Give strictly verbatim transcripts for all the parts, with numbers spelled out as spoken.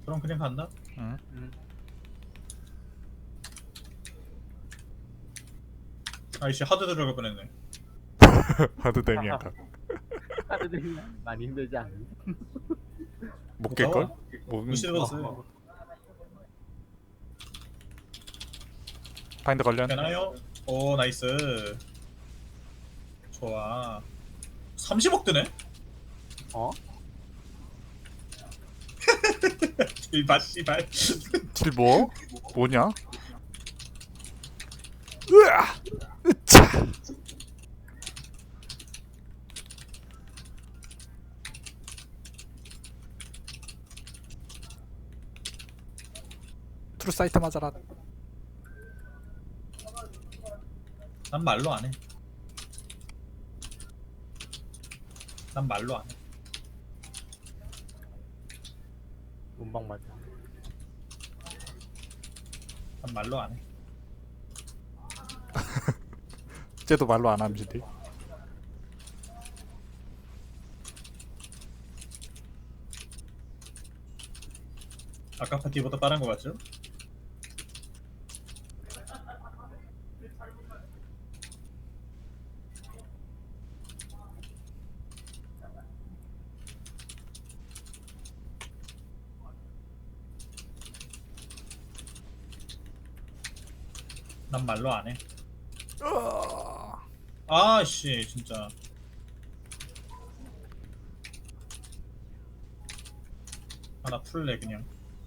그럼 그냥 간다. 응. 응. 아이씨 하드 들어갈 뻔했네. 하드 데미안가. 카드 들면 많이 힘들지 않니? 못 깰걸? 가봐. 뭐, 무시해봤어요. 어. 파인드 관련. 되나요? 오 나이스. 좋아. 삼십억 드네? 어? 이봐 씨발. 딜 뭐? 뭐냐? 으아! 으차! 트루 사이트 맞아라. 난 말로 안 해. 난 말로 안 해. 문방 맞아. 난 말로 안 해. 쟤도 말로 안 함시디. 아까 파티보다 빠른 거 같죠? 난 말로 안 해. 아씨 진짜. 하나 풀래 그냥.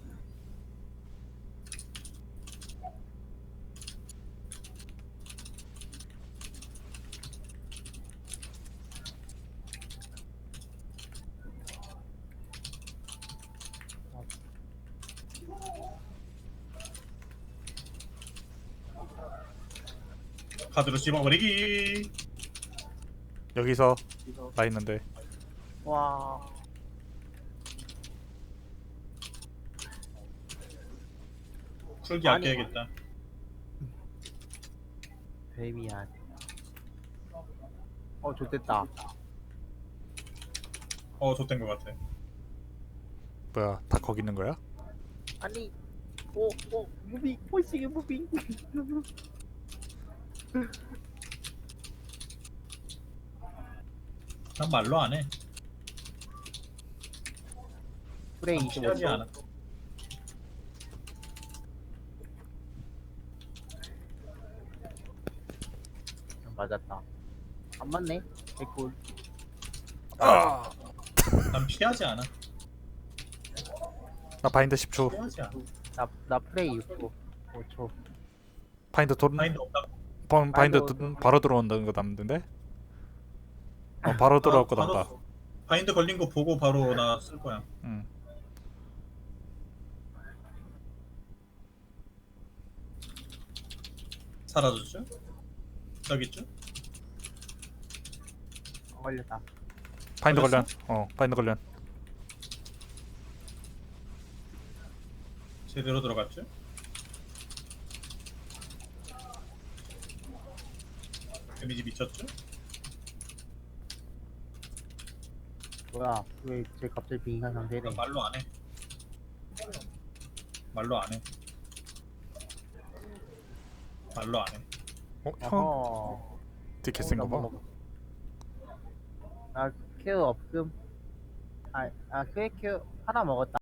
카드로 씹어버리기. 여기서 나 있는데. 와. 풀기 아니. 아껴야겠다. 데미안. 어, 좋됐다. 어 좆된 거 같아. 뭐야? 다 거기 있는 거야? 아니, 오, 오, 무빙, 호시게 무빙. 난 말로 안 해. 프레이 난 이십오 피하지 초. 않아. 맞았다. 안 맞네. 개꿀. 아! 난 피하지 않아. 나 바인드 십 초. 피하지 않아. 나, 나 프레이 육 초. 오 초. 바인드 돈 마인드 없다. 바인드, 바인드 바인드 드- 바로 들어온다는 거 남는데? 어 바로 들어올 거 바로 남다. 바인드 걸린 거 보고 바로 나 쓸 거야. 응. 사라졌죠? 저기 있죠? 안 걸렸다. 바인드 걸렸어? 관련. 어 바인드 관련. 제대로 들어갔죠? 데미지 미쳤죠? 뭐야? 왜 쟤 갑자기 빙산 상태래? 난 말로 안 해. 말로 안 해. 말로 안 해. 어 형? 어허. 되게 센 거 봐. 나 케어 없음. 아, 아, 퀘 케어 하나 먹었다.